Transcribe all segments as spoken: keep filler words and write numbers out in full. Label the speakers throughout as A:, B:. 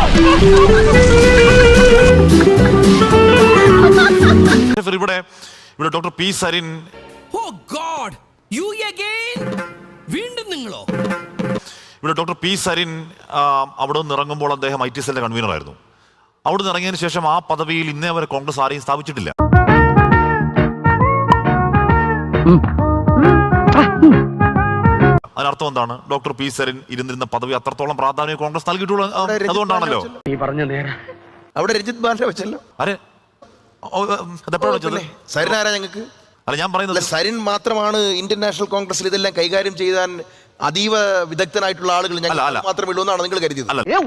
A: ഇവിടെ ഇവിടെ doctor P Sarin.
B: Oh God, you again? വീണ്ടും നിങ്ങളോ?
A: ഇവിടെ ഡോക്ടർ പി സരിൻ അവിടെ നിന്ന് ഇറങ്ങുമ്പോൾ അദ്ദേഹം ഐ ടി സെല്ലിന്റെ കൺവീനർ ആയിരുന്നു. അവിടെ നിന്ന് ഇറങ്ങിയതിനു ശേഷം ആ പദവിയിൽ ഇന്നേ വരെ കോൺഗ്രസ് ആരെയും സ്ഥാപിച്ചിട്ടില്ല. അതിനർത്ഥം എന്താണ്? ഡോക്ടർ പി സരിൻ ഇരുന്നിരുന്ന പദവി അത്രത്തോളം പ്രാധാന്യം കോൺഗ്രസ് നൽകിയിട്ടുള്ള അതുകൊണ്ടാണല്ലോ.
C: അവിടെ രഞ്ജിത് ബാലിനെ വെച്ചല്ലോ.
A: അരെ അതെപ്പോഴാണ് വെച്ചത്?
C: സരിൻ ആരാ ഞങ്ങൾക്ക്?
A: അല്ല, ഞാൻ പറയുന്നത്
C: സരിൻ മാത്രമാണ് ഇന്ത്യൻ നാഷണൽ കോൺഗ്രസിൽ ഇതെല്ലാം കൈകാര്യം ചെയ്യാൻ അതീവ വിദഗ്ധനായിട്ടുള്ള ആളുകൾ ഞങ്ങൾ മാത്രമേ ഉള്ളൂ എന്നാണ് നിങ്ങൾ കരുതിയത്?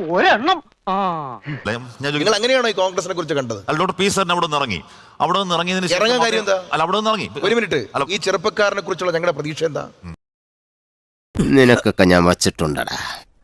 C: നിങ്ങൾ അങ്ങനെയാണോ ഈ കോൺഗ്രസിനെ കുറിച്ച് കണ്ടത്?
A: അല്ല, ഡോക്ടർ പി സരിൻ അവിടെ നിന്ന് ഇറങ്ങി. അവിടെ നിന്ന് ഇറങ്ങിയതിന്
C: ഇറങ്ങാൻ കാര്യം എന്താ?
A: അല്ല, അവിടെ നിന്ന് ഇറങ്ങി.
C: ഒരു മിനിറ്റ്, ഈ ചെറുപ്പക്കാരനെ കുറിച്ചുള്ള ഞങ്ങളുടെ പ്രതീക്ഷ എന്താ?
D: നിനക്കൊക്കെ ഞാൻ വച്ചിട്ടുണ്ടടാ.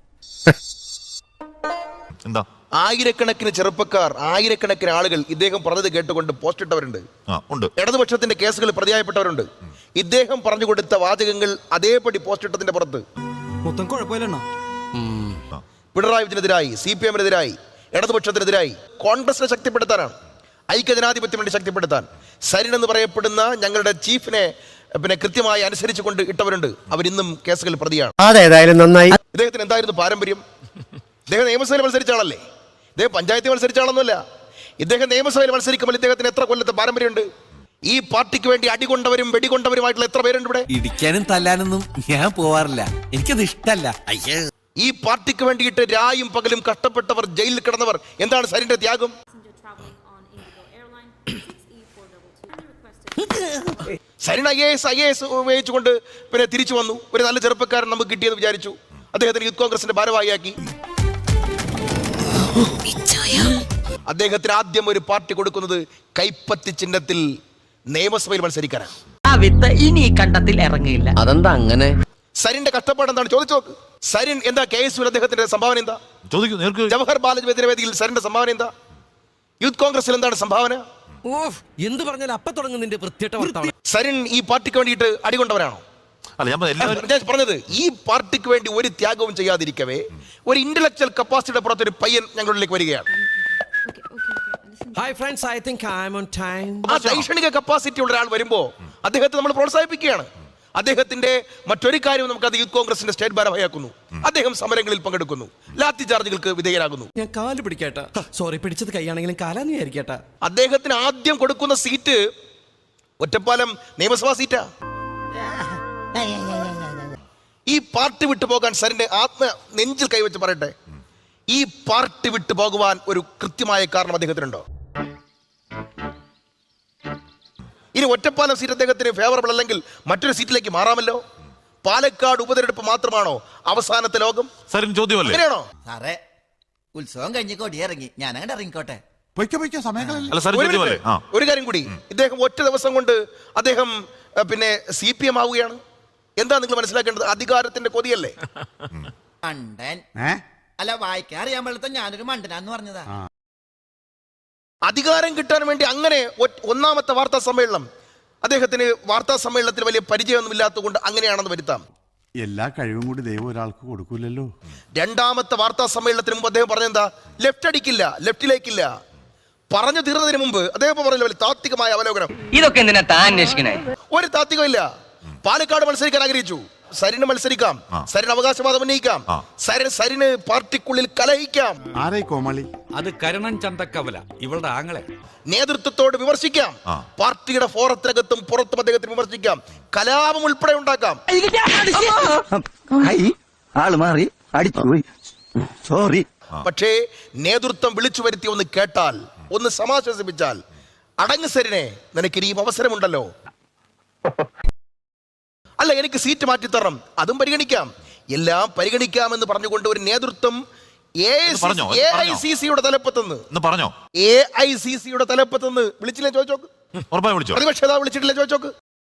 A: എന്താ?
C: ആയിരക്കണക്കിന് ചെറുപ്പക്കാർ, ആയിരക്കണക്കിന് ആളുകൾ ഇദ്ദേഹം പറഞ്ഞത് കേട്ടുകൊണ്ട് പോസ്റ്റ് ഇട്ടവരുണ്ട്. ഇടതുപക്ഷത്തിന്റെ കേസുകൾ പ്രതിയായപ്പെട്ടവരുണ്ട്. ഇദ്ദേഹം പറഞ്ഞു കൊടുത്ത വാചകങ്ങൾ അതേപടി പോസ്റ്റ് ഇട്ടതിന്റെ പുറത്ത്
B: മൊത്തം കുഴപ്പമില്ല.
C: പിണറായി വിജയനെതിരായി, സി പി എമ്മിനെതിരായി, ഇടതുപക്ഷത്തിനെതിരായി കോൺഗ്രസിനെ ശക്തിപ്പെടുത്താനാണ്, ഐക്യജനാധിപത്യം വേണ്ടി ശക്തിപ്പെടുത്താൻ സരിൻ എന്ന് പറയപ്പെടുന്ന ഞങ്ങളുടെ ചീഫിനെ പിന്നെ കൃത്യമായി അനുസരിച്ചു കൊണ്ട് ഇട്ടവരുണ്ട്. അവരിന്നും കേസുകൾ പ്രതിയാണ്.
D: അതേതായാലും നന്നായി.
C: ഇദ്ദേഹത്തിന് എന്തായിരുന്നു പാരമ്പര്യം? ഇദ്ദേഹം നിയമസഭയിൽ മത്സരിച്ച ആളല്ലേ? ഇദ്ദേഹം പഞ്ചായത്തിൽ മത്സരിച്ച ആളൊന്നുമല്ല. ഇദ്ദേഹം നിയമസഭയിൽ മത്സരിക്കുമ്പോൾ ഇദ്ദേഹത്തിന് എത്ര കൊല്ലത്തെ പാരമ്പര്യമുണ്ട്? ഈ പാർട്ടിക്ക് വേണ്ടി അടികൊണ്ടവരും വെടികൊണ്ടവരുമായിട്ടുള്ള എത്ര പേരുണ്ട് ഇവിടെ?
B: ഇടിക്കാനും തല്ലാനൊന്നും ഞാൻ പോവാറില്ല, എനിക്കത് ഇഷ്ടല്ല.
C: ഈ പാർട്ടിക്ക് വേണ്ടിയിട്ട് രായും പകലും കഷ്ടപ്പെട്ടവർ, ജയിലിൽ കിടന്നവർ. എന്താണ് സരിന്റെ ത്യാഗം? Sarin I A S I A S ഉപയോഗിച്ചുകൊണ്ട് പിന്നെ തിരിച്ചു വന്നു. ഒരു നല്ല ചെറുപ്പക്കാരൻ നമുക്ക് കിട്ടിയെന്ന് വിചാരിച്ചു. അദ്ദേഹത്തിന് യൂത്ത് കോൺഗ്രസിന്റെ ഭാരവാഹിയാക്കി. അദ്ദേഹത്തിന് ആദ്യം ഒരു പാർട്ടി കൊടുക്കുന്നത് കൈപ്പത്തി ചിഹ്നത്തിൽ നിയമസഭയിൽ മത്സരിക്കാനാണ്.
E: ഇനി കണ്ടത്തിൽ ഇറങ്ങിയില്ല.
D: അതെന്താ അങ്ങനെ?
C: സരിന്റെ കഷ്ടപ്പാട് എന്താണ് ചോദിച്ചു നോക്ക്. സരിൻ എന്താ കെ എസ് യു അദ്ദേഹത്തിന്റെ സംഭാവന എന്താ? ജവഹർ ബാലജി വേദിയിൽ സരിന്റെ സംഭാവന എന്താ? യൂത്ത് കോൺഗ്രസിൽ എന്താണ് സംഭാവന?
B: എന്ത് പറഞ്ഞാൽ അപ്പൊ തുടങ്ങുന്നതിന്റെ വൃത്തികെട്ട.
C: സരിൻ ഈ പാർട്ടിക്ക് വേണ്ടിയിട്ട് അടികൊണ്ടവരാണോ? ഞാൻ പറഞ്ഞത് ഈ പാർട്ടിക്ക് വേണ്ടി ഒരു ത്യാഗവും ചെയ്യാതിരിക്കവേ ഒരു ഇന്റലക്ച്വൽ കപ്പാസിറ്റിയുടെ പുറത്ത് ഒരു പയ്യൻ ഞങ്ങളിലേക്ക് വരികയാണ്.
B: Hi friends, I think I am on time.
C: ആ ശൈക്ഷണിക കപ്പാസിറ്റി ഉള്ള ഒരാൾ വരുമ്പോ അദ്ദേഹത്തെ നമ്മൾ പ്രോത്സാഹിപ്പിക്കുകയാണ്. അദ്ദേഹത്തിന്റെ മറ്റൊരു കാര്യം നമുക്ക് അത് യൂത്ത് കോൺഗ്രസിന്റെ സ്റ്റേറ്റ് ഭാരവാഹിയാക്കുന്നു. അദ്ദേഹം സമരങ്ങളിൽ പങ്കെടുക്കുന്നു, ലാത്തി ചാർജുകൾക്ക് വിധേയരാകുന്നു.
B: ഞാൻ കാല് പിടിക്കട്ടെ, സോറി, പിടിച്ചത് കൈയാണെങ്കിലും കാലാന്ന് വിചാരിക്കട്ടെ.
C: അദ്ദേഹത്തിന് ആദ്യം കൊടുക്കുന്ന സീറ്റ് ഒറ്റപ്പാലം നിയമസഭാ സീറ്റാ. ഈ പാർട്ടി വിട്ടു പോകാൻ സരിന്റെ ആത്മ നെഞ്ചിൽ കൈവച്ച് പറയട്ടെ, ഈ പാർട്ടി വിട്ടു പോകുവാൻ ഒരു കൃത്യമായ കാരണം അദ്ദേഹത്തിനുണ്ടോ? ഇനി ഒറ്റപ്പാലം സീറ്റ് അദ്ദേഹത്തിന് ഫേവറബിൾ അല്ലെങ്കിൽ മറ്റൊരു സീറ്റിലേക്ക് മാറാമല്ലോ. പാലക്കാട് ഉപതെരഞ്ഞെടുപ്പ് മാത്രമാണോ അവസാനത്തെ ലോകം?
A: സരിൻ ചോദ്യമല്ലേ?
C: അങ്ങനെയാണോ?
E: സാറേ, ഉത്സവം കഴിഞ്ഞ് കൊടിയിറങ്ങി, ഞാൻ അങ്ങനെ ഇറങ്ങിക്കോട്ടെ.
C: ഒരു കാര്യം കൂടി, ഇദ്ദേഹം ഒറ്റ ദിവസം കൊണ്ട് അദ്ദേഹം പിന്നെ സി പി എം ആവുകയാണ്. എന്താ നിങ്ങൾ മനസ്സിലാക്കേണ്ടത്? അധികാരത്തിന്റെ കൊതിയല്ലേ?
E: മണ്ടൻ അല്ല, വായിക്കാൻ അറിയാൻ പാടില്ല, ഞാനൊരു മണ്ടനാന്ന് പറഞ്ഞതാ.
C: അധികാരം കിട്ടാൻ വേണ്ടി അങ്ങനെ ഒന്നാമത്തെ വാർത്താ സമ്മേളനം, അദ്ദേഹത്തിന് വാർത്താ സമ്മേളനത്തിൽ വലിയ പരിചയമൊന്നും ഇല്ലാത്തത് കൊണ്ട് അങ്ങനെയാണെന്ന് വരുത്താം.
F: എല്ലാ കഴിവും കൂടി ദൈവം ഒരാൾക്ക് കൊടുക്കൂലല്ലോ.
C: രണ്ടാമത്തെ വാർത്താ സമ്മേളനത്തിന് മുമ്പ് അദ്ദേഹം പറഞ്ഞെന്താ? ലെഫ്റ്റ് അടിക്കില്ല, ലെഫ്റ്റിലേക്കില്ല. പറഞ്ഞു തീർന്നതിന് മുമ്പ് അദ്ദേഹം പറഞ്ഞ താത്വികമായ അവലോകനം.
E: ഇതൊക്കെ എന്തിനാ താൻ അന്വേഷിക്കണേ?
C: ഒരു താത്വികം ഇല്ല. പാലക്കാട് മത്സരിക്കാൻ ആഗ്രഹിച്ചു, സരിന് മത്സരിക്കാം, സരിന് അവകാശവാദം ഉന്നയിക്കാം, സരിന് സരിന് പാർട്ടിക്കുള്ളിൽ കലഹിക്കാം.
F: ആരായി കോമളി?
G: അത് കരുണൻ ചന്തക്കവല, ഇവളുടെ ആങ്ങളെ.
C: നേതൃത്വത്തോട് വിമർശിക്കാം, പാർട്ടിയുടെ ഫോറത്തിനകത്തും പുറത്തും അദ്ദേഹത്തിന് വിമർശിക്കാം, കലാപം ഉൾപ്പെടെ ഉണ്ടാക്കാം.
D: സോറി.
C: പക്ഷേ നേതൃത്വം വിളിച്ചു വരുത്തി ഒന്ന് കേട്ടാൽ, ഒന്ന് സമാശ്വസിപ്പിച്ചാൽ, അടങ്ങ് സരിനെ, നിനക്ക് ഇനിയും അവസരമുണ്ടല്ലോ. അല്ല, എനിക്ക് സീറ്റ് മാറ്റിത്തരണം, അതും പരിഗണിക്കാം, എല്ലാം പരിഗണിക്കാമെന്ന് പറഞ്ഞുകൊണ്ട് ഒരു നേതൃത്വം എ ഐ സി സിയുടെ തലപ്പത്തുനിന്ന് പറഞ്ഞോ എ ഐ സി സിയുടെ തലപ്പത്തുനിന്ന് വിളിച്ചില്ലേ ചോദിച്ചോക്ക്. പ്രതിപക്ഷ നേതാവ് വിളിച്ചിട്ടില്ലേ ചോദിച്ചോക്ക്.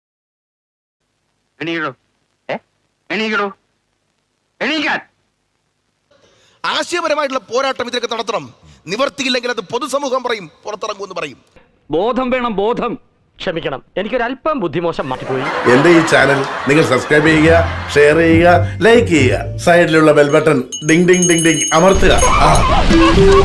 C: ആശയപരമായിട്ടുള്ള പോരാട്ടം ഇതിലൊക്കെ നടത്തണം. നിവർത്തിയില്ലെങ്കിൽ അത് പൊതുസമൂഹം പറയും, പുറത്തിറങ്ങുമെന്ന് പറയും.
G: ബോധം വേണം, ബോധം.
H: ക്ഷമിക്കണം, എനിക്കൊരല്പം ബുദ്ധിമോശം മാറ്റിപ്പോയി.
I: എന്റെ ഈ ചാനൽ നിങ്ങൾ സബ്സ്ക്രൈബ് ചെയ്യുക, ഷെയർ ചെയ്യുക, ലൈക്ക് ചെയ്യുക, സൈഡിലുള്ള bell button ding ding ding ding അമർത്തുക.